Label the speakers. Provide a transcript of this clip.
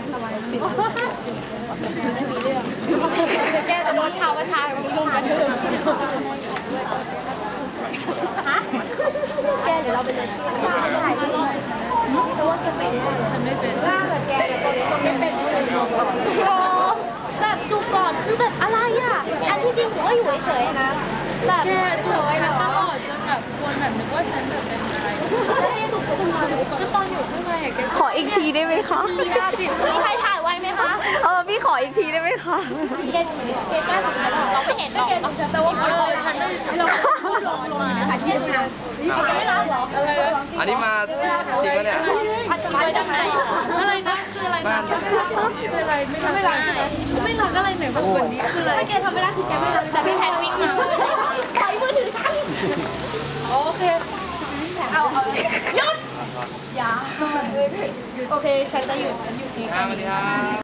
Speaker 1: ไม่มีเรื่องแกจะโดนชาวประชาชนรุมกันถึงฮะแกเดี๋ยวเราไปเรียนที่ถ่ายรูปฉันว่าจะเป็นฉันไม่เป็นว่าแบบแกคนไม่เป็นโอ้แบบจูบก่อนคือแบบอะไรอ่ะอันที่จริงผมก็อยู่เฉยๆนะแบบเฉยๆตลอดจนแบบคนแบบนึกว่าฉันแบบเป็นอะไรก็ตอนอยู่ข้างในแก
Speaker 2: ขออีกทีได้ไหมคะ
Speaker 1: มีใครถ่ายไว้ไหมคะ
Speaker 2: พี่ขออีกทีได้ไหมคะ
Speaker 1: แกแก้ของฉันเราไม่เห็นหรอกแต่ว่าฉันเราลงนะคะที่ทำงานไม่รับหรอ
Speaker 3: อันนี้มาจริงปะเนี่ย
Speaker 1: พัชมาจากไหนอะไรนะคืออะไรนะคืออะไรไม่รับไม่รับอะไรไหนบอกวันนี้คืออะไรถ้าแกทำไม่ได้คือแกไม่รับฉันไม่แทนวิ่งมาปล่อยมือถือฉันโอเคเอาหยุดอย่าโอเคฉันจะหยุด
Speaker 3: สวัสดีครับ